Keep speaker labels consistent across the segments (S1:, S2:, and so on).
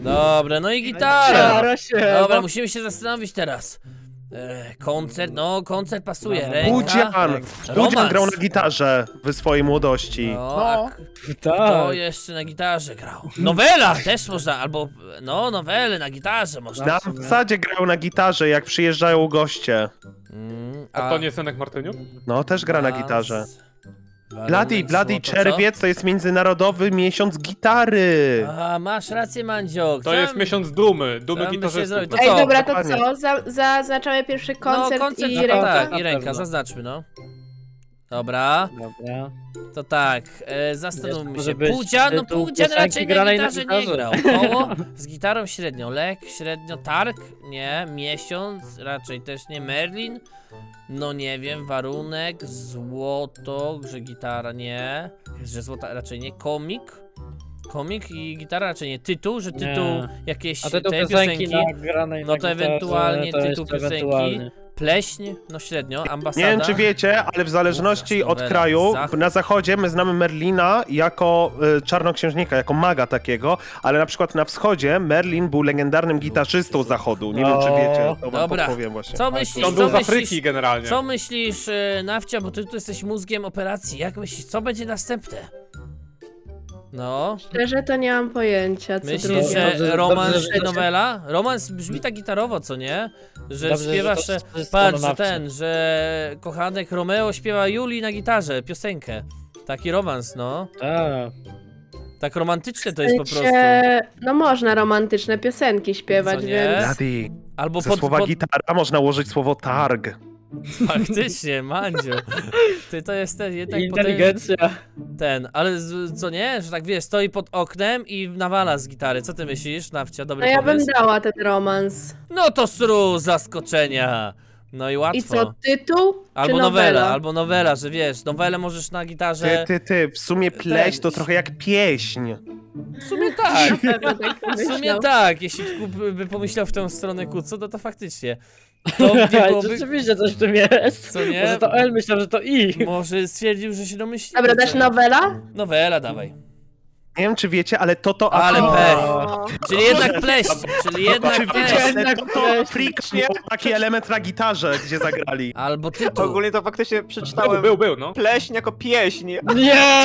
S1: Dobra, no i gitara.
S2: Stara się.
S1: Dobra, musimy się zastanowić teraz. Koncert, no koncert pasuje.
S2: No,
S1: Ręka.
S3: Budzian! Budzian grał na gitarze w swojej młodości.
S1: No,
S2: No.
S1: a kto
S2: Tak.
S1: jeszcze na gitarze grał? Nowela też można, albo no nowele na gitarze można.
S3: Na ambasadzie grał na gitarze, jak przyjeżdżają goście.
S4: A to nie Senek Martyniuk?
S3: No, też gra na gitarze.
S1: Warunek
S3: Bloody
S1: złoto, co?
S3: Czerwiec to jest międzynarodowy miesiąc gitary.
S1: A, masz rację, Mandziok.
S4: To jest miesiąc dumy, dumy
S1: tam by się
S4: gitarzystów.
S1: zrobił? To
S4: no.
S5: Ej,
S1: co?
S5: dobra, to
S3: Dokładnie.
S5: co? Zaznaczamy pierwszy koncert,
S1: no, koncert
S5: i
S1: no,
S5: ręka?
S1: tak,
S2: Na
S1: i ręka,
S2: pewno.
S1: zaznaczmy, no. Dobra,
S2: Dobra.
S1: to tak, zastanówmy
S2: Może
S1: się.
S2: być
S1: Pudzian, no
S2: tytuł
S1: Pudzian
S2: piosenki
S1: raczej na
S2: granej na
S1: gitarze nie
S2: gitarze.
S1: grał. Koło z gitarą średnio, lek średnio, targ, nie, miesiąc, raczej też nie, Merlin, no nie wiem, warunek, złoto, że gitara nie, że złota raczej nie, komik i gitara raczej nie, tytuł, że tytuł
S2: Nie.
S1: jakieś
S2: A tytuł
S1: te
S2: piosenki
S1: piosenki,
S2: nagranej
S1: no
S2: na
S1: to
S2: gitarze,
S1: ewentualnie
S2: to
S1: tytuł
S2: jeszcze
S1: piosenki.
S2: ewentualnie.
S1: pleśń, no średnio, ambasada.
S3: Nie wiem, czy wiecie, ale w zależności od
S1: Nowela,
S3: kraju,
S1: Zachód.
S3: na zachodzie my znamy Merlina jako czarnoksiężnika, jako maga takiego, ale na przykład na wschodzie Merlin był legendarnym gitarzystą zachodu. Nie wiem, czy wiecie, to wam
S1: Dobra.
S3: podpowiem właśnie.
S1: Co myślisz,
S4: On był z Afryki generalnie.
S1: co myślisz, Nawcia, bo ty tu jesteś mózgiem operacji, jak myślisz, co będzie następne? No,
S5: Szczerze to nie mam pojęcia, co
S1: myślisz,
S5: drugie.
S1: że
S2: Dobrze,
S1: romans
S2: dobrze,
S1: i
S2: że-
S1: nowela? Romans brzmi tak gitarowo, co nie? Że
S2: Dobrze, że
S1: śpiewasz,
S2: to
S1: że,
S2: wszystko
S1: patrz,
S2: na
S1: że
S2: wsi.
S1: że kochanek Romeo śpiewa Julii na gitarze, piosenkę. Taki romans, no.
S2: Tak.
S1: Tak romantyczne to
S5: W
S1: jest po prostu.
S5: sensie, no można romantyczne piosenki śpiewać,
S1: Co nie?
S5: więc...
S3: Bloody.
S1: Albo
S3: Ze słowa gitara można ułożyć słowo targ.
S1: Faktycznie, Mandziu. Ty to jest ten, jednak
S2: Inteligencja.
S1: ten, ale co nie? Że tak wiesz, stoi pod oknem i nawala z gitary. Co ty myślisz, Nawcia? Dobry
S5: No ja bym
S1: pomysł?
S5: dała ten romans.
S1: No to sru zaskoczenia. No i łatwo.
S5: I co, tytuł
S1: Albo
S5: czy
S1: nowela, albo nowela, że wiesz, nowelę możesz na gitarze.
S3: W sumie pleść to trochę jak pieśń.
S1: W sumie tak.
S5: Pewno tak
S1: W sumie
S5: myślał.
S1: tak, jeśli Kup by pomyślał w tę stronę Kuco, to faktycznie. To nie byłoby...
S2: Rzeczywiście coś w tym jest.
S1: Co nie?
S2: Może to L, myślałem, że to I.
S1: Może stwierdził, że się domyśli.
S5: Dobra, dasz nowela?
S1: Nowela, dawaj.
S3: Nie wiem, czy wiecie, ale to
S1: Ale
S3: Afrika.
S1: pech.
S5: O,
S1: Czyli jednak pleść, czyli jednak
S3: Czy
S1: pleść.
S3: wiecie, ale
S2: Jednak
S3: to
S2: pleść.
S3: Afrika miał taki element na gitarze, gdzie zagrali.
S1: Albo tytuł.
S6: Ogólnie to faktycznie przeczytałem
S4: Był, no.
S6: pleśń jako pieśń.
S2: Nie!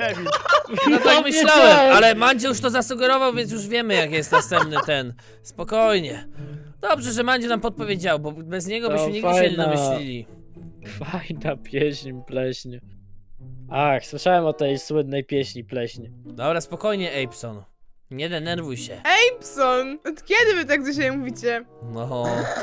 S1: No tak myślałem, ale Mandzio już to zasugerował, więc już wiemy, jak jest następny ten. Spokojnie. Dobrze, że Mandzio nam podpowiedział, bo bez niego byśmy
S2: To
S1: nigdy się nie
S2: fajna.
S1: domyślili.
S2: Fajna pieśń, pleśń. Ach, słyszałem o tej słynnej pieśni pleśń.
S1: Dobra, spokojnie, Apson. Nie denerwuj się.
S7: Gibson! Od kiedy wy tak do siebie mówicie?
S1: No.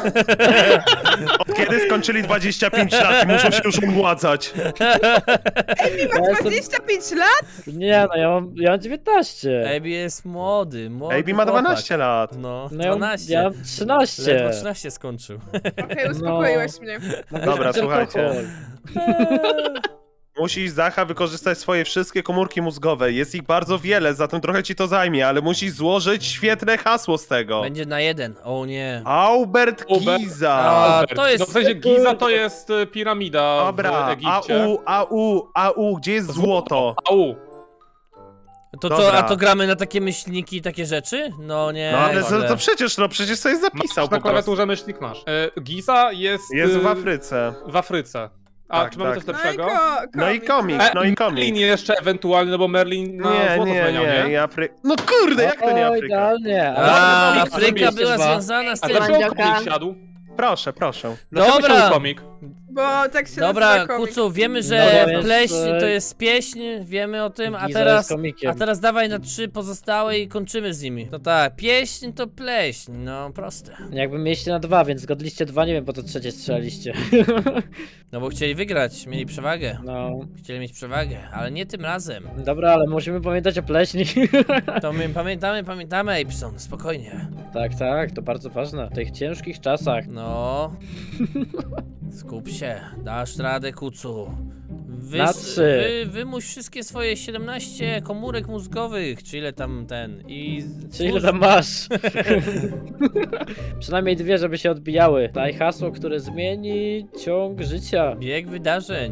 S3: Od kiedy skończyli 25 lat i muszą się już umładzać.
S2: Ja jestem...
S7: 25 lat?
S2: Nie no, ja mam 19.
S1: Baby jest młody.
S3: AB ma 12 lat.
S1: No,
S2: No ja
S1: 12.
S2: mam 13.
S1: Ledwo 13 skończył.
S7: Okej, uspokoiłaś mnie.
S3: Dobra,
S2: Tylko
S3: słuchajcie.
S2: alkohol.
S3: Musisz, Zacha, wykorzystać swoje wszystkie komórki mózgowe. Jest ich bardzo wiele, zatem trochę ci to zajmie, ale musisz złożyć świetne hasło z tego.
S1: Będzie na 1. O nie.
S3: Albert
S4: Albert.
S3: Giza.
S1: A, to jest-
S4: No w sensie Giza to jest piramida
S3: Dobra,
S4: w Egipcie.
S3: gdzie jest złoto?
S4: Au.
S1: To
S3: Dobra.
S1: co, a to gramy na takie myślniki i takie rzeczy? No nie.
S3: No ale
S1: źle.
S3: to przecież sobie zapisał
S4: Masz na
S3: po prostu.
S4: klawiaturze myślnik masz. Giza jest...
S3: Jest w Afryce.
S4: W Afryce. A
S3: Tak,
S4: czy mamy
S3: tak.
S4: coś
S7: No i,
S4: lepszego?
S3: No i komik, no i
S4: Merlin
S3: komik.
S4: jeszcze ewentualnie, no bo Merlin na złoto zmieniał, nie?
S3: i No kurde, jak to nie
S2: O,
S3: Afryka?
S2: idealnie.
S1: A,
S4: komik
S1: Afryka
S4: zrobiliście
S1: była
S2: dwa.
S1: związana z
S4: A
S1: tym.
S4: dlaczego
S5: Mandzioka.
S4: komik siadł?
S3: Proszę, proszę.
S4: Dlaczego
S1: Dobra.
S4: siadł komik?
S7: Bo tak się
S1: Dobra,
S7: nazywa komik.
S1: Kucu, wiemy,
S2: No,
S1: że
S2: bo jest,
S1: pleśń to jest pieśń, wiemy o tym,
S2: Giza jest komikiem.
S1: a teraz dawaj na 3 pozostałe i kończymy z nimi. No tak, pieśń to pleśń, no proste.
S2: Jakby mieliście na 2, więc zgodliście 2, nie wiem po co trzecie strzelaliście.
S1: No bo chcieli wygrać, mieli przewagę.
S2: No.
S1: Chcieli mieć przewagę, ale nie tym razem.
S2: Dobra, ale musimy pamiętać o pleśni.
S1: To my pamiętamy, Apson, spokojnie.
S2: Tak, to bardzo ważne. W tych ciężkich czasach.
S1: No. Skup się, dasz radę, Kucu.
S2: Na 3.
S1: Wymuś wszystkie swoje 17 komórek mózgowych, czy ile tam
S2: Czy ile tam masz? Przynajmniej 2, żeby się odbijały. Daj hasło, które zmieni ciąg życia.
S1: Bieg wydarzeń.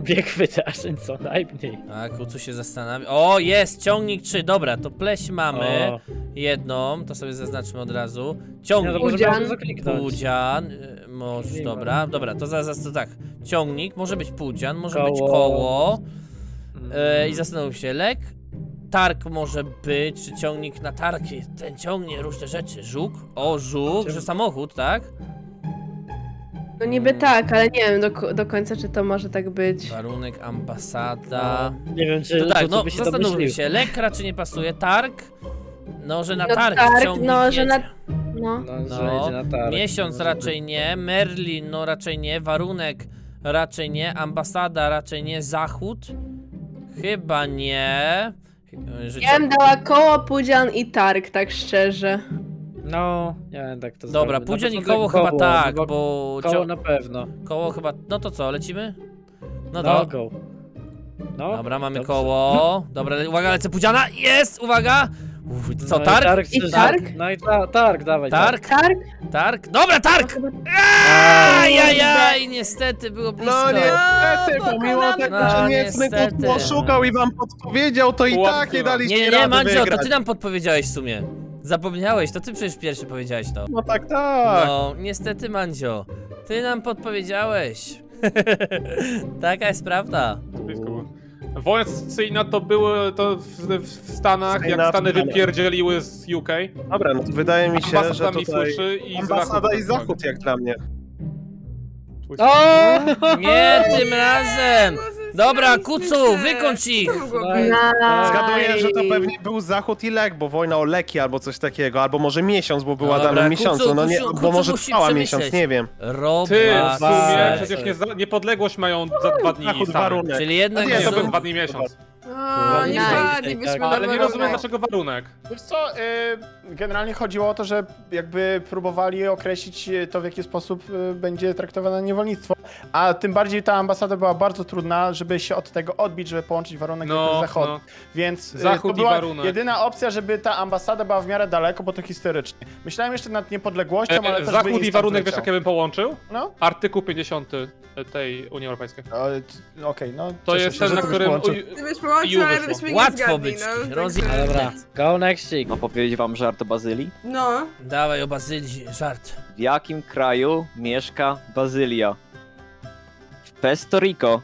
S2: bieg wydarzeń co najmniej.
S1: A Kucu się zastanawia. O, jest! Ciągnik 3, dobra, to pleś mamy.
S2: O,
S1: Jedną, to sobie zaznaczmy od razu.
S2: nie, no
S1: Ciągnik.
S2: to może
S5: Pudzian.
S2: bardzo kliknąć.
S1: Pudzian, może,
S2: Nie
S1: dobra, dobra, to zaraz to tak. Ciągnik, może być pudzian, może być
S2: Koło.
S1: koło. I zastanów się, lek. Targ może być, czy ciągnik na targi. Ten ciągnie różne rzeczy. Żuk? O, żuk, że samochód, tak?
S5: No niby tak, ale nie wiem do końca, czy to może tak być.
S1: Warunek, ambasada.
S2: Nie wiem, czy
S1: To tak, no
S2: by się
S1: zastanówmy
S2: domyślił.
S1: się. Lek raczej nie pasuje. Targ? No, że na
S5: No
S1: targ
S5: targ,
S1: ciągnik
S5: no, że na-
S1: jedzie.
S5: No.
S2: No, że
S1: No,
S2: jedzie na targ.
S1: miesiąc
S2: Może
S1: raczej nie, Merlin no raczej nie, warunek raczej nie, ambasada raczej nie, zachód chyba nie. Że
S5: Ja bym dała koło, pudzian i targ, tak szczerze.
S2: No, nie wiem, tak to
S1: Dobra,
S2: zrobię.
S1: pudzian i
S2: Na początek
S1: koło chyba tak,
S2: bo
S1: bo
S2: koło na pewno.
S1: koło chyba, no to co, lecimy? No
S2: No,
S1: to,
S2: go. No,
S1: dobra, mamy
S2: dobrze.
S1: koło, dobra, uwaga, lecę pudziana, jest, uwaga! Uff, co,
S2: No i
S1: targ?
S5: I
S2: czy
S5: targ?
S2: No i targ, dawaj.
S1: Targ?
S5: Targ?
S1: Targ? Dobra, targ!
S5: Chyba-
S1: Ajajaj, niestety było blisko.
S3: No niestety,
S7: No,
S3: pomimo tego,
S1: no,
S3: że niecny
S1: niestety.
S3: Kucu oszukał i wam podpowiedział, to i
S4: Pułapka.
S3: tak nie daliście
S1: Nie,
S3: rady
S1: Mandzio, to
S3: wygrać.
S1: ty nam podpowiedziałeś w sumie. Zapomniałeś, to ty przecież pierwszy powiedziałeś to.
S3: No tak, tak.
S1: No, niestety, Mandzio, ty nam podpowiedziałeś. Taka jest prawda.
S4: Blisko było. Wojna secesyjna to były to w Stanach, jak
S3: Sejna
S4: Stany
S3: w Stanach.
S4: wypierdzieliły z UK.
S3: Dobra, no to wydaje mi się, że
S4: Ambasadami
S3: tutaj
S4: suszy i
S3: ambasada i
S4: zachód.
S3: zachód jak dla mnie.
S2: O!
S1: Nie tym razem! Dobra, Kucu, wykończ ich!
S3: Zgaduję, że to pewnie był zachód i lek, bo wojna o leki albo coś takiego, albo może miesiąc, bo była
S1: Dobra,
S3: danym miesiącu, no nie,
S1: Kucu,
S3: bo
S1: Kucu
S3: może
S1: musi
S3: trwała
S1: przemyśleć.
S3: miesiąc, nie wiem.
S4: Ty, w
S1: Robak.
S4: sumie
S2: Weź.
S4: przecież niepodległość mają za 2 dni
S3: Zachód,
S4: Stany.
S3: warunek.
S1: Czyli jednak
S3: Nie,
S4: Nie, to
S3: Zachód.
S4: był 2 dni miesiąc.
S7: O, nie
S5: Nice.
S7: wpadlibyśmy
S2: Tak,
S7: na
S4: Ale nie
S7: warunek.
S4: rozumiem dlaczego warunek.
S8: Wiesz co, generalnie chodziło o to, że jakby próbowali określić to, w jaki sposób będzie traktowane niewolnictwo, a tym bardziej ta ambasada była bardzo trudna, żeby się od tego odbić, żeby połączyć warunek
S4: No,
S8: z zachodem.
S4: no.
S8: Więc
S4: Zachód
S8: to
S4: i
S8: była
S4: warunek.
S8: jedyna opcja, żeby ta ambasada była w miarę daleko, bo to historycznie. Myślałem jeszcze nad niepodległością, ale też by
S4: Zachód
S8: jej
S4: i
S8: stan
S4: warunek, wiesz
S8: zleciał.
S4: jak ja bym połączył?
S8: No,
S4: Artykuł 50 tej Unii Europejskiej.
S8: okej, no.
S4: To
S8: cieszę
S4: jest
S8: się,
S4: ten,
S8: że
S4: na
S8: to
S4: którym...
S8: połączył.
S7: Gdybyś połączył,
S4: Ju
S7: ale
S4: wyszło.
S7: byśmy nie
S1: Łatwo
S7: zgadli,
S1: być.
S7: no.
S1: Rozjechać.
S2: Dobra, go nextik.
S6: No powiedzieć wam żart o Bazylii?
S7: No.
S1: Dawaj o Bazylii, żart.
S6: W jakim kraju mieszka Bazylia? W Puerto Rico.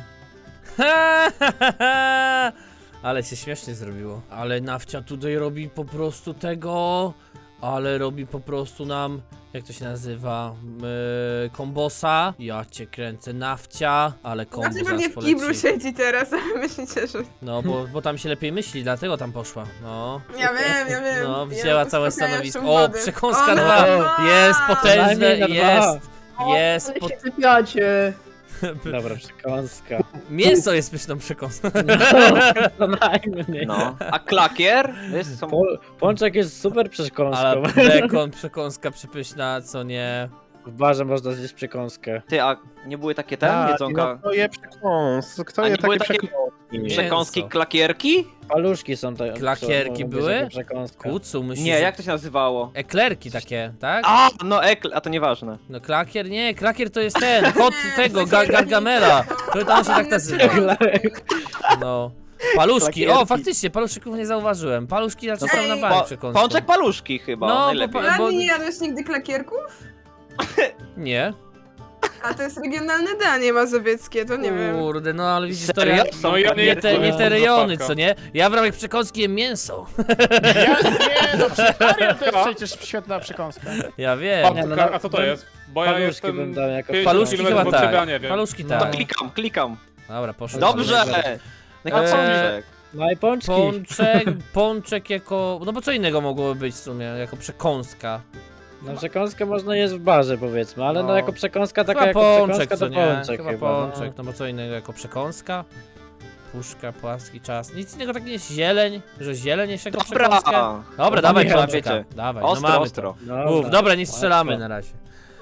S1: Ale się śmiesznie zrobiło. Ale Nawcia tutaj robi po prostu tego. Ale robi po prostu nam. Jak to się nazywa? Kombosa. Ja cię kręcę, Nawcia. Ale kombo
S7: Znaczy
S1: zaraz
S7: pewnie w
S1: poleci.
S7: kiblu siedzi teraz, a myślicie, że...
S1: No, bo tam się lepiej myśli, dlatego tam poszła. No.
S7: Ja wiem.
S1: No, wzięła całe stanowisko. O,
S7: wody.
S1: przekąska
S7: O,
S1: 2.
S7: no.
S1: Jest potężne,
S2: Najmniej na dwa.
S1: jest. Jest.
S5: Ale się sypiacie.
S2: Dobra, przekąska.
S1: Mięso jest pyszną przekąską.
S2: No najmniej.
S6: No. A klakier? Jest, są...
S2: Pączek jest super przekąską.
S1: Ale bekon, przekąska przepyszna, co nie.
S2: W barze można zjeść przekąskę.
S6: Ty, a nie były takie
S3: Tak,
S6: ten
S3: no
S6: jedzonka?
S3: kto je przekąs? Kto
S6: A
S3: je
S6: nie były
S3: takie
S6: takie-
S3: przekąski?
S6: Przekąski
S1: Mięso.
S6: klakierki?
S2: Paluszki są te.
S1: Klakierki
S2: mogą być
S1: były?
S2: jako przekąska.
S1: Kucu, myślisz,
S6: Nie,
S1: że-
S6: jak to się nazywało?
S1: Eklerki takie, tak?
S6: A, no a to nieważne.
S1: No klakier, nie, klakier to jest ten, kot tego, Gargamela. To on się tak nazywa. No. Paluszki, o
S6: Klakierki.
S1: faktycznie, paluszków nie zauważyłem. Paluszki raczej są na bank przekąską.
S6: Pączek paluszki chyba,
S1: No, bo
S6: najlepiej.
S1: pa-
S7: Ale nie jadłeś nigdy klakierków?
S1: Nie.
S7: A to jest regionalne danie mazowieckie, to nie wiem.
S1: Kurde, no ale widzisz, to
S6: Serio?
S1: ja...
S6: Są
S4: No ja
S1: Nie te, nie te
S4: No,
S1: rejony,
S4: zapałka.
S1: co nie? Ja w ramach przekąski jem mięso.
S8: Nie, no przekarian to jest
S4: Co?
S8: przecież świetna przekąska.
S1: Ja wiem.
S2: Nie, no,
S4: A co to jest? Bo ja
S2: Paluszki
S4: jestem
S2: bym dał jako
S4: 5
S1: Paluszki
S4: kilometrów
S1: chyba
S4: od ciebie, a
S1: tak.
S4: nie wiem.
S1: Paluszki
S2: No.
S6: To
S1: tak.
S6: klikam.
S1: Dobra, poszło.
S6: Dobrze! No
S1: Eee,
S6: pączek.
S2: No i pączki.
S1: Pączek jako... No bo co innego mogłoby być w sumie, jako przekąska.
S2: No przekąskę można jeść w barze powiedzmy, ale no,
S1: No.
S2: jako przekąska taka
S1: Chyba
S2: jako
S1: pączek,
S2: przekąska
S1: co
S2: to
S1: nie?
S2: pączek
S1: Chyba
S2: chyba.
S1: pączek, no bo co innego jako przekąska? Puszka, płaski czas. Nic innego tak nie jest zieleń, że zieleń jeszcze jako przekąskę.
S6: Dobra!
S1: Dobra,
S2: No
S1: dawaj
S2: nie,
S1: pączka.
S6: wiecie.
S1: Dawaj,
S6: Ostro,
S1: no mamy
S6: ostro.
S1: to.
S2: No,
S1: Mów, dobra, nie strzelamy
S2: Ostro.
S1: na razie.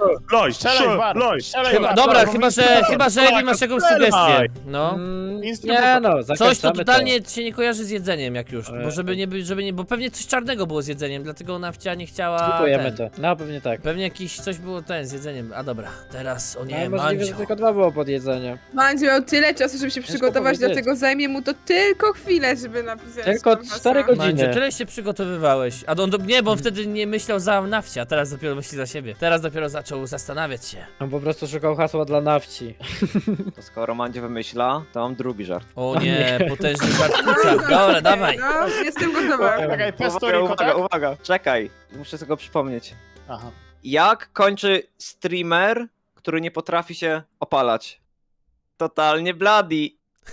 S3: Loj,
S8: Strzelaj, War,
S3: loj.
S8: strzelaj,
S1: Chyba,
S8: War.
S1: dobra,
S3: Dobra,
S1: chyba, że Ebi masz jakąś sugestię. No.
S2: Nie no,
S1: Coś, to
S2: zakończamy
S1: totalnie się nie kojarzy z jedzeniem, jak już. Bo
S2: Eee.
S1: żeby nie, bo pewnie coś czarnego było z jedzeniem, dlatego Nawcia nie chciała.
S2: Kupujemy
S1: ten.
S2: to. No pewnie tak.
S1: Pewnie jakiś coś było z jedzeniem. A dobra, teraz o nie,
S2: No, możliwe, że
S1: Mandzio.
S2: tylko 2 było pod jedzenie.
S7: Mandzio miał tyle czasu, żeby się przygotować,
S2: powiedzieć.
S7: dlatego zajmie mu to tylko chwilę, żeby napisać.
S2: Tylko
S7: Konfasa.
S2: 4 godziny.
S1: Mandzio, tyle się przygotowywałeś. A nie, bo on wtedy nie myślał za Nawcia, teraz dopiero myśli za siebie. Teraz dopiero zaczął zastanawiać się.
S2: On po prostu szukał hasła dla nawci.
S6: To skoro Mandzie wymyśla, to mam drugi żart.
S1: O nie, potężny żart kuca. Dobra, dawaj.
S7: No, jestem gotowa.
S8: Czekaj, Pesto
S6: Uwaga,
S8: Rico,
S6: uwaga,
S8: tak?
S6: uwaga. Czekaj, muszę sobie go przypomnieć.
S8: Aha.
S6: Jak kończy streamer, który nie potrafi się opalać? Totalnie bloody.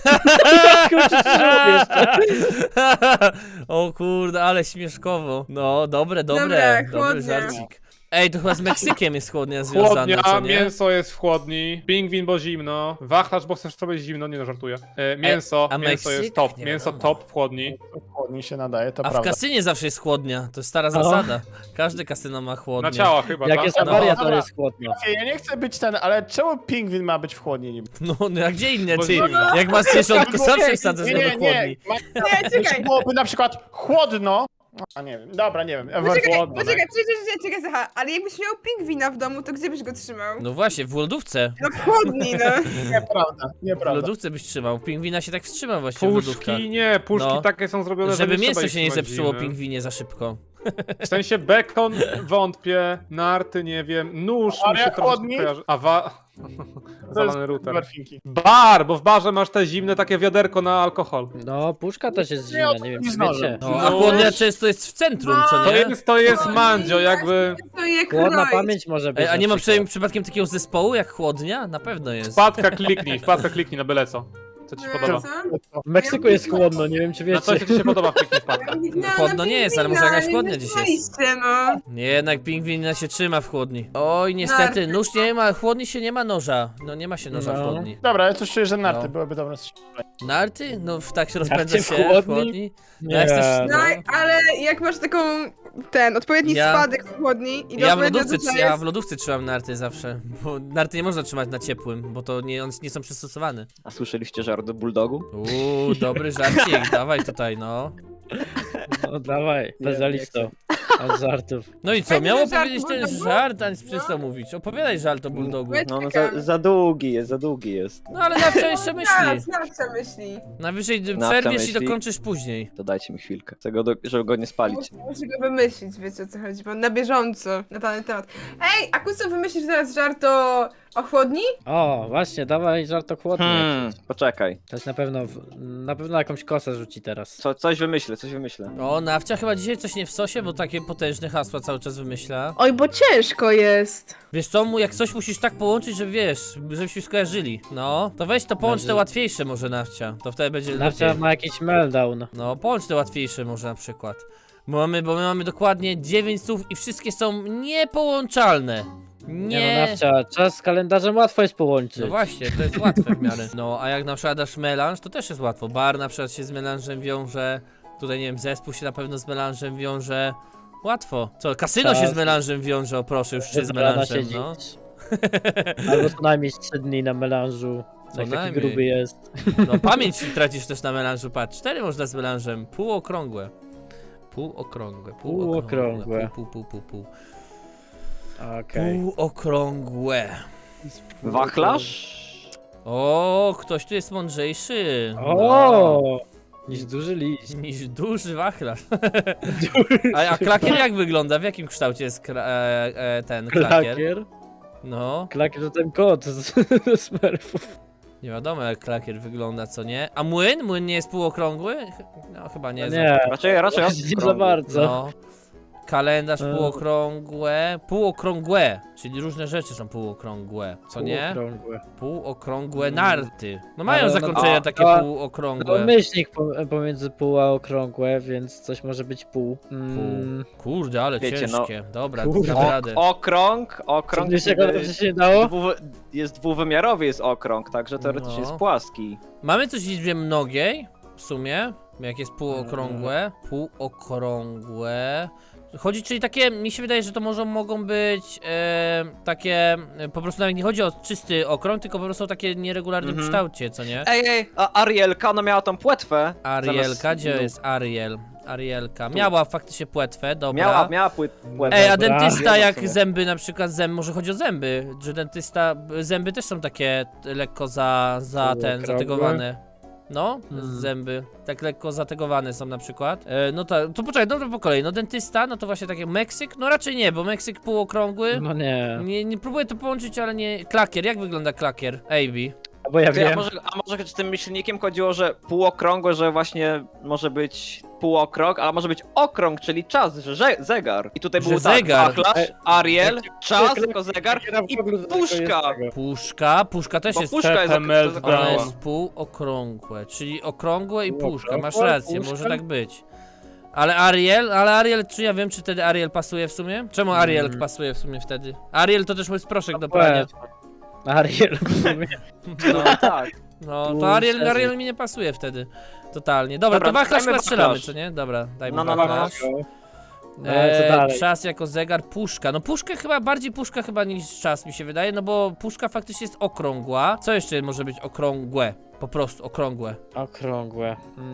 S1: O kurde, ale śmieszkowo. No, dobre,
S7: Dobra,
S1: dobry
S7: chłodnie.
S1: żarcik. Ej, to chyba z Meksykiem jest chłodnia związana,
S4: Chłodnia,
S1: co nie?
S4: mięso jest w chłodni, pingwin, bo zimno, wachlarz, bo chcesz sobie zimno, nie no, żartuję. Mięso,
S1: a
S4: mięso
S1: Meksyk?
S4: jest top,
S1: Nie
S4: mięso
S1: wiadomo.
S4: top w chłodni.
S8: Chłodnie się nadaje, to
S1: A w
S8: prawda.
S1: kasynie zawsze jest chłodnia, to jest stara zasada. Każde kasyno ma chłodnię.
S4: Na ciała chyba,
S2: Jak
S4: tak?
S2: jest
S1: No.
S2: awaria, to
S8: Dobra.
S2: jest chłodno.
S8: Ja nie chcę być ten, ale czemu pingwin ma być w chłodni niby?
S1: No, a gdzie inne,
S4: Bo
S1: ty?
S4: zimno.
S1: Jak masz cieszonku, zawsze wsadzasz go do chłodni.
S7: Nie, czekaj.
S8: Byłoby na przykład chłodno. A nie wiem, dobra, nie wiem.
S7: Poczekaj,
S8: Chłodno, tak?
S7: czekaj, Zacha, ale jakbyś miał pingwina w domu, to gdzie byś go trzymał?
S1: No właśnie, w lodówce.
S7: No w chłodni, no.
S8: Nieprawda,
S1: W
S8: nieprawda.
S1: lodówce byś trzymał. Pingwina się tak wstrzyma właściwie w lodówkach.
S4: Puszki nie, puszki
S1: No.
S4: takie są zrobione,
S1: Żeby
S4: że nie
S1: mięso
S4: trzeba
S1: się nie
S4: ich
S1: zepsuło
S4: zimne.
S1: pingwinie za szybko.
S4: W sensie bekon wątpię, narty nie wiem, nóż
S8: A
S4: mi się
S8: jak
S4: trochę
S8: chłodni?
S4: kojarzy. Zalany router.
S8: Barfinki.
S4: Bar, bo w barze masz te zimne takie wiaderko na alkohol.
S2: No, puszka też jest zimna, nie wiem czy
S8: z nożem.
S2: wiecie.
S1: No, a chłodnia często jest w centrum, co
S4: To
S1: nie?
S4: jest mandzio, jakby
S7: To je
S2: Chłodna
S7: kroić.
S2: pamięć może być.
S1: Ej, a nie
S2: na
S1: ma
S2: przykład.
S1: przypadkiem takiego zespołu jak chłodnia? Na pewno jest.
S4: wpadka kliknij na byle co. Co ci się podoba?
S7: Co?
S2: W Meksyku jest chłodno, nie wiem czy
S4: Na coś,
S2: wiecie.
S4: co ci się podoba w kliknij wpadka.
S1: Chłodno nie jest, ale może jakaś chłodnia dziś jest.
S7: Oczywiście, no.
S1: Nie, jednak pingwin się trzyma w chłodni. Oj, niestety, nóż nie ma, w chłodni się nie ma noża. No nie ma się noża w
S2: No.
S1: chłodni.
S8: Dobra, ja coś czuję, że narty
S1: No.
S8: byłyby dobre.
S1: Narty? No tak się rozpędza
S2: w
S1: się
S2: chłodni?
S1: w chłodni.
S2: Nie,
S1: Jak chcesz,
S7: No, ale jak masz taką, odpowiedni
S1: Ja-
S7: spadek w chłodni i
S1: Ja w,
S7: odpowiednio
S1: lodówce,
S7: duża
S1: ja
S7: jest-
S1: w lodówce trzymam narty zawsze, bo narty nie można trzymać na ciepłym, bo to one nie są przystosowane.
S6: A słyszeliście żart o bulldogu?
S1: Dobry żarcik, dawaj tutaj, no.
S2: No dawaj, bezalisto. Od żartów.
S1: No i co,
S7: Fajny
S1: miało
S7: żart
S1: powiedzieć ten
S7: bulldogu?
S1: żart, a nic przestał mówić. Opowiadaj żart o bulldogu.
S6: No, za długi jest, za długi jest.
S1: No ale Nawcia jeszcze myśli.
S7: Nawcia myśli.
S1: Najwyżej
S6: Nawcia
S1: przerwiesz i
S6: myśli.
S1: dokończysz później.
S6: To dajcie mi chwilkę, żeby go nie spalić.
S7: Muszę go wymyślić, wiecie o co chodzi, bo na bieżąco na dany temat. Ej, a Kuso, wymyślisz teraz żart o chłodni?
S2: O, właśnie, dawaj żart o chłodnie.
S6: Poczekaj.
S2: To jest na pewno jakąś kosę rzuci teraz.
S6: Coś wymyślę.
S1: O, Nawcia chyba dzisiaj coś nie w sosie, bo takie potężne hasła cały czas wymyśla.
S5: Oj, bo ciężko jest.
S1: Wiesz co, jak coś musisz tak połączyć, że wiesz, żebyśmy skojarzyli. No, to weź to połącz te łatwiejsze może, Nawcia. To wtedy będzie
S2: Nawcia
S1: lepiej.
S2: ma jakiś meltdown.
S1: No, połącz te łatwiejsze może na przykład. Bo my mamy dokładnie 9 słów i wszystkie są niepołączalne.
S2: Nie no, Nawcia, czas z kalendarzem łatwo jest połączyć.
S1: No właśnie, to jest łatwe w miarę. No, a jak na przykład dasz melanż, to też jest łatwo. Bar na przykład się z melanżem wiąże. Tutaj nie wiem, zespół się na pewno z melanżem wiąże. Łatwo. Co, kasyno się z melanżem wiąże, o proszę, już czy z
S2: Dobrana
S1: melanżem,
S2: siedzieć.
S1: no.
S2: Albo co najmniej 3 dni na melanżu.
S1: Co
S2: Jak taki
S1: najmniej.
S2: gruby jest.
S1: No pamięć tracisz też na melanżu, patrz. 4 można z melanżem, półokrągłe. Półokrągłe.
S2: Półokrągłe.
S1: Pół.
S2: Okej.
S1: Półokrągłe.
S6: Wachlarz?
S1: O, ktoś tu jest mądrzejszy. No.
S2: O! Niż duży liść.
S1: Niż duży wachlarz. A klakier jak wygląda? W jakim kształcie jest ten klakier?
S2: Klakier?
S1: No,
S2: Klakier to ten kot z Smurfów.
S1: nie wiadomo jak klakier wygląda, co nie? A młyn? Młyn nie jest półokrągły? No chyba nie.
S2: Nie,
S6: Raczej
S2: nie za
S6: okrągły.
S2: bardzo.
S1: No. Kalendarz
S2: E.
S1: półokrągłe, czyli różne rzeczy są półokrągłe, co nie?
S2: Półokrągłe.
S1: Półokrągłe narty. No mają
S2: Ale
S1: zakończenia
S2: no,
S1: takie
S2: to-
S1: półokrągłe.
S2: No, myślnik pomiędzy pół a okrągłe, więc coś może być pół.
S1: Kurde, ale
S6: Wiecie, no.
S1: ciężkie. Dobra,
S2: Kurde.
S1: damy radę.
S6: Okrąg
S2: Wiesz jak to się dało?
S6: jest dwuwymiarowy, jest okrąg, także teoretycznie
S1: No.
S6: jest płaski.
S1: Mamy coś w liczbie mnogiej, w sumie, jak jest półokrągłe. Półokrągłe. Chodzi, czyli takie, mi się wydaje, że to mogą być takie, po prostu nawet nie chodzi o czysty okrąg, tylko po prostu o takie nieregularnym
S6: Mhm.
S1: kształcie, co nie?
S6: Ej, a Arielka, no miała tą płetwę.
S1: Arielka, gdzie
S6: no.
S1: jest Ariel? Arielka, miała faktycznie płetwę, dobra.
S6: Miała płetwę.
S1: Ej, a
S2: Dobra.
S1: dentysta
S6: Wiem,
S1: jak
S6: w sumie.
S1: zęby na przykład, może chodzi o zęby, że dentysta, zęby też są takie lekko
S2: Okrągłe?
S1: zategowane. No,
S2: Hmm.
S1: zęby, tak lekko zategowane są na przykład. No to poczekaj, no po kolei, no dentysta, no to właśnie takie Meksyk, no raczej nie, bo Meksyk półokrągły.
S2: No nie.
S1: Nie próbuję to połączyć, ale nie. Klakier, jak wygląda klakier? AB.
S2: Bo ja
S6: Ty, a
S2: wiem.
S6: może z tym myślnikiem chodziło, że półokrągłe, że właśnie może być półokrąg, ale może być okrąg, czyli czas, że zegar. I tutaj
S1: Że
S6: był
S1: zegar.
S6: wachlarz, Ariel, czas
S2: jak-
S6: jako zegar i
S2: w ogóle do tego
S6: puszka.
S2: jest
S1: Puszka też
S6: Bo
S1: jest.
S6: puszka jest
S4: PML
S6: to
S1: Ona
S4: dała.
S1: jest półokrągłe, czyli okrągłe i puszka,
S2: Półokrągłe,
S1: masz rację,
S2: puszka.
S1: może tak być. Ale Ariel, czy ja wiem, czy wtedy Ariel pasuje w sumie? Czemu Ariel pasuje w sumie wtedy? Ariel to też jest proszek do prania.
S2: Ariel w sumie.
S6: No tak.
S1: No,
S2: Tu
S1: to Ariel
S2: szerzej.
S1: mi nie pasuje wtedy. Totalnie. Dobra, to wachlarz
S6: dajmy
S1: chyba strzelamy,
S6: wachlarz.
S1: co nie? Dobra, dajmy
S6: No,
S1: wachlarz.
S2: No, co dalej?
S1: Czas jako zegar, puszka. No puszkę chyba, bardziej puszka chyba niż czas mi się wydaje, no bo puszka faktycznie jest okrągła. Co jeszcze może być okrągłe? Po prostu okrągłe.
S2: Okrągłe.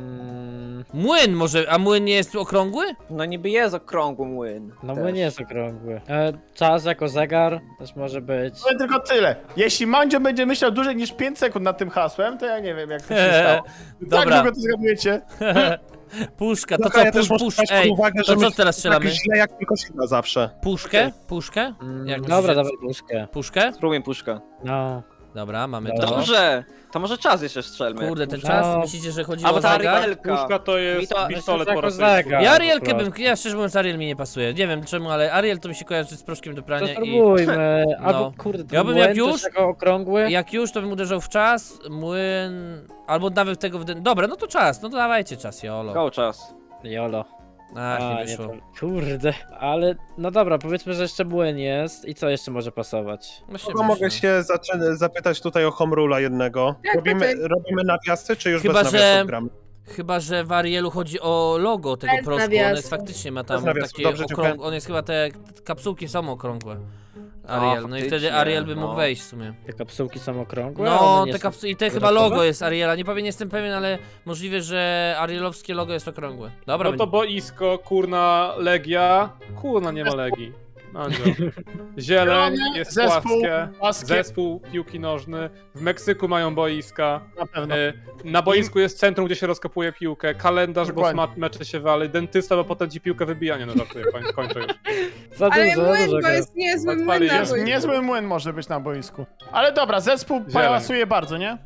S1: Młyn może, a młyn nie jest okrągły?
S6: No niby jest okrągły młyn.
S2: No
S6: też.
S2: bo nie jest okrągły. Czas jako zegar też może być.
S8: Powiem tylko tyle. Jeśli Mandzio będzie myślał dłużej niż 5 sekund nad tym hasłem, to ja nie wiem, jak to się stało.
S1: Dobra.
S8: Tak długo to zgadujecie.
S1: Puszka, to
S3: Dobra,
S1: co,
S3: ja też muszę brać pod
S1: ej,
S3: uwagę,
S1: to
S3: że
S1: co
S3: my
S1: teraz strzelamy?
S3: tak źle jak tylko się da zawsze.
S1: Puszkę? Puszkę? Jak
S2: Dobra,
S1: myślicie?
S2: dawaj puszkę.
S1: Puszkę?
S6: Spróbuj puszka.
S2: No.
S1: Dobra, mamy
S2: Dobra.
S1: to.
S6: Dobrze, to może czas jeszcze strzelmy.
S1: Kurde, ten
S2: No.
S1: czas, myślicie, że chodzi
S6: Albo
S1: o
S6: ta
S1: zegar?
S6: Arielka.
S4: Puszka to
S6: Mi
S4: jest
S6: to-
S4: pistolet
S2: jako
S4: po raz
S2: zegar.
S1: Ja
S2: po
S1: Arielkę
S2: prostu.
S1: ja szczerze mówiąc Ariel mi nie pasuje. Nie wiem czemu, ale Ariel to mi się kojarzy z proszkiem do
S2: To
S1: prania i
S2: spróbujmy. Albo
S1: No.
S2: kurde,
S1: Ja bym
S2: młyn
S1: jak już-
S2: też jako okrągły.
S1: jak już to bym uderzał w czas, młyn, albo nawet tego Dobra, no to czas, no to dawajcie czas, jolo.
S6: Go czas.
S2: Jolo.
S1: Ach, nie
S2: A,
S1: wyszło.
S2: to- Kurde, ale no dobra, powiedzmy, że jeszcze młyn jest i co jeszcze może pasować?
S1: Właśnie
S3: Kogo mogę
S1: myślę.
S3: się zapytać tutaj o home rula jednego?
S7: Tak,
S3: Robimy nawiasy, czy już
S1: Chyba,
S3: bez
S1: że-
S3: nawiasów gramy?
S1: Chyba, że w Arielu chodzi o logo tego
S5: Bez
S1: proszku, on jest
S5: nawiasu.
S1: faktycznie ma tam
S3: Bez nawiasu,
S1: takie
S3: dobrze, dziękuję.
S1: on jest chyba te kapsułki są okrągłe. Ariel, no i wtedy
S6: faktycznie,
S1: Ariel by mógł
S6: no.
S1: wejść w sumie.
S2: Te kapsułki są okrągłe?
S1: No,
S2: One nie
S1: te
S2: są-
S1: kapsuły i te chyba
S2: kwadratowe?
S1: logo jest Ariela, nie jestem pewien, ale możliwe, że Arielowskie logo jest okrągłe. Dobra,
S4: No to boisko, kurna, Legia. Kurna, nie ma Legii. Mandzio. Zieleń, jest
S8: Zespół,
S4: płaskie. Zespół piłki nożny. W Meksyku mają boiska.
S8: Na pewno.
S4: Na boisku jest centrum, gdzie się rozkopuje piłkę. Kalendarz,
S8: Dokładnie.
S4: bo mecze się wali. Dentysta, bo potem ci piłkę wybija. Nie no, żartuję, kończę już.
S2: Za
S7: Ale
S2: dużo,
S7: młyn,
S2: dużo
S7: bo jest niezły
S4: Odpali
S7: młyn na
S4: jest
S7: boisku.
S8: Niezły młyn może być na boisku. Ale dobra, zespół pasuje bardzo, nie?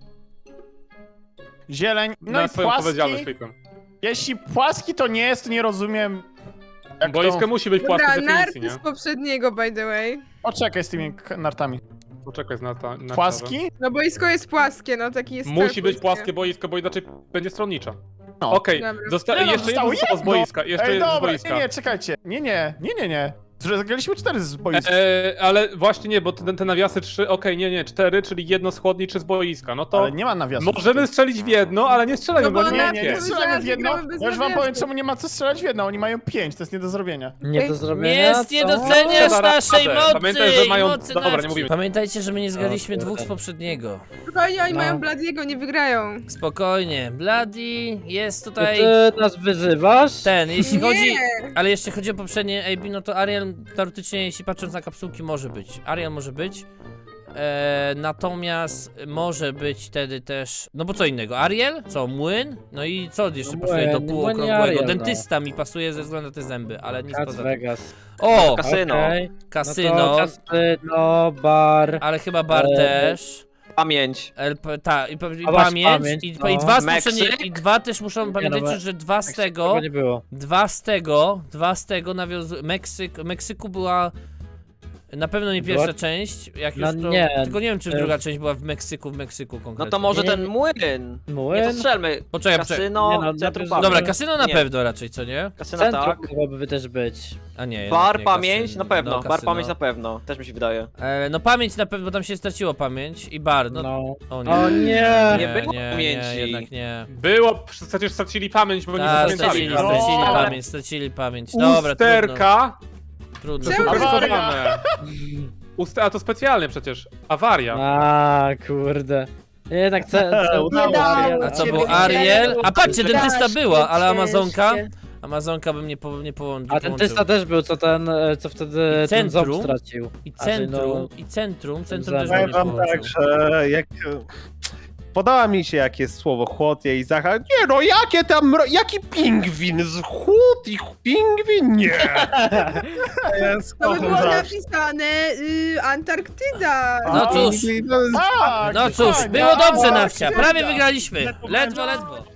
S8: Zieleń. No
S4: Na
S8: i
S4: swoją odpowiedzialność
S8: płaski.
S4: klikłem.
S8: Jeśli płaski to nie jest, to nie rozumiem. Jak
S4: Boisko
S8: to...
S4: musi być płaskie
S7: Dobra,
S4: z definicji,
S7: narty
S4: nie?
S7: z poprzedniego, by the way.
S8: Poczekaj z tymi nartami.
S4: Poczekaj na
S8: Płaski?
S7: No boisko jest płaskie, no taki jest
S4: Musi
S7: cel
S4: być płaskie boisko, bo inaczej będzie stronnicza.
S8: No.
S4: Okej,
S7: Dobra.
S8: Nie no,
S4: jeszcze
S8: zostało
S4: jedno z
S8: jedno.
S4: boiska, jeszcze
S8: Ej,
S4: jedno z
S8: dobra,
S4: boiska.
S8: nie, czekajcie. Nie. Zagraliśmy 4 z boiska.
S4: Ale właśnie nie, bo te nawiasy 3, nie, 4, czyli jedno z chłodni, 3 z boiska. No to
S8: Ale nie ma nawiasu.
S4: możemy strzelić w jedno, ale nie strzelamy,
S7: No bo
S4: bo nie
S7: ona-
S4: ma
S8: Nie
S4: 5.
S8: strzelamy w jedno.
S7: Gramy bez
S8: Ja już wam
S7: nawiasu.
S8: powiem, czemu nie ma co strzelać w jedno. Oni mają 5, to jest nie do zrobienia.
S2: Nie do zrobienia.
S1: Jest, nie
S2: co?
S1: doceniasz
S4: Dobra,
S1: naszej
S4: radę.
S1: mocy!
S4: Pamiętaj, że mają-
S1: mocy
S4: dobra, nie
S1: naszej.
S4: mówimy.
S1: Pamiętajcie, że my nie zgraliśmy
S2: O, kurde.
S1: dwóch z poprzedniego.
S7: Spokojnie, oni
S2: No.
S7: mają Bladiego, nie wygrają.
S1: Spokojnie, Bloody jest
S2: To
S1: tutaj
S2: ty nas wyzywasz?
S1: ten, jeśli
S7: Nie.
S1: chodzi... Ale jeśli chodzi o poprzednie AB, no to Ariel teoretycznie, jeśli patrząc na kapsułki, może być. Ariel może być. Natomiast może być wtedy też... No bo co innego? Ariel? Co? Młyn? No i co jeszcze
S2: No
S1: pasuje do
S2: młyn,
S1: półokrągłego?
S2: Ariel, no.
S1: Dentysta mi pasuje ze względu na te zęby, ale nic
S2: Las
S1: poza tym.
S2: Vegas.
S1: O!
S6: Kasyno.
S2: Okej.
S1: Kasyno,
S2: No to kasyno, bar.
S1: ale chyba bar też.
S6: Pamięć.
S1: I
S2: A masz
S1: pamięć,
S2: pamięć,
S1: i
S2: no.
S1: dwa z
S6: Meksyk?
S1: poprzednie, i dwa też muszą pamiętać,
S2: no,
S1: że dwa z tego,
S2: Tego nie było.
S1: Meksyku była Na pewno nie pierwsza część, jak
S2: No
S1: już to...
S2: nie.
S1: Tylko nie wiem, czy druga część była w Meksyku konkretnie.
S6: No to może
S2: Nie.
S6: ten młyn. Nie, to
S2: Młyn?
S6: strzelmy.
S1: Poczekaj.
S6: Kasyno,
S2: Nie no,
S6: centrum
S2: najpierw-
S6: pamięć.
S1: Dobra, kasyno na
S6: Nie.
S1: pewno raczej, co nie?
S6: Kasyno
S2: Centrum
S6: tak.
S2: mogłoby też być.
S1: A nie, jednak
S6: Bar
S1: nie,
S6: pamięć
S1: kasyno.
S6: na pewno,
S1: No,
S6: bar
S1: kasyno.
S6: pamięć na pewno, też mi się wydaje.
S1: No pamięć na pewno, bo tam się straciło pamięć i bar, no...
S2: No.
S1: O nie.
S2: O nie!
S6: Nie było
S1: nie,
S6: pamięci.
S1: jednak nie.
S4: Było, przecież stracili pamięć, bo nie
S1: Tak,
S4: zapamiętali.
S1: stracili pamięć. Dobra,
S4: Usterka
S1: trudno.
S7: Czemu?
S4: zaskowane. A to specjalnie przecież. Awaria.
S2: A kurde. Jednak
S3: Udało
S7: się.
S1: A co
S7: Ciebie
S1: było?
S7: widziałem.
S1: Ariel? A patrzcie, dentysta
S5: Strasznie
S1: była, ale Amazonka?
S5: ciężkie.
S1: Amazonka bym nie połączył.
S2: A dentysta też był, co wtedy
S1: I
S2: ten ząb
S1: centrum?
S2: stracił.
S1: I
S2: A, czyli
S1: centrum też
S2: Powiem
S1: bym nie
S3: Powiem wam
S1: połączył.
S3: tak, że jak... Podoba mi się, jakie jest słowo chłodnie i Zacha. Nie no, jakie tam, jaki pingwin? Z chłód i pingwin? Nie. Jest
S7: To by było
S3: kocham
S7: napisane Antarktyda.
S1: No cóż.
S3: pingwin to jest-
S8: Tak,
S1: No cóż,
S8: fajnie.
S1: było dobrze,
S8: Tak,
S1: Nawcia. Prawie
S8: tak.
S1: wygraliśmy. Ledwo.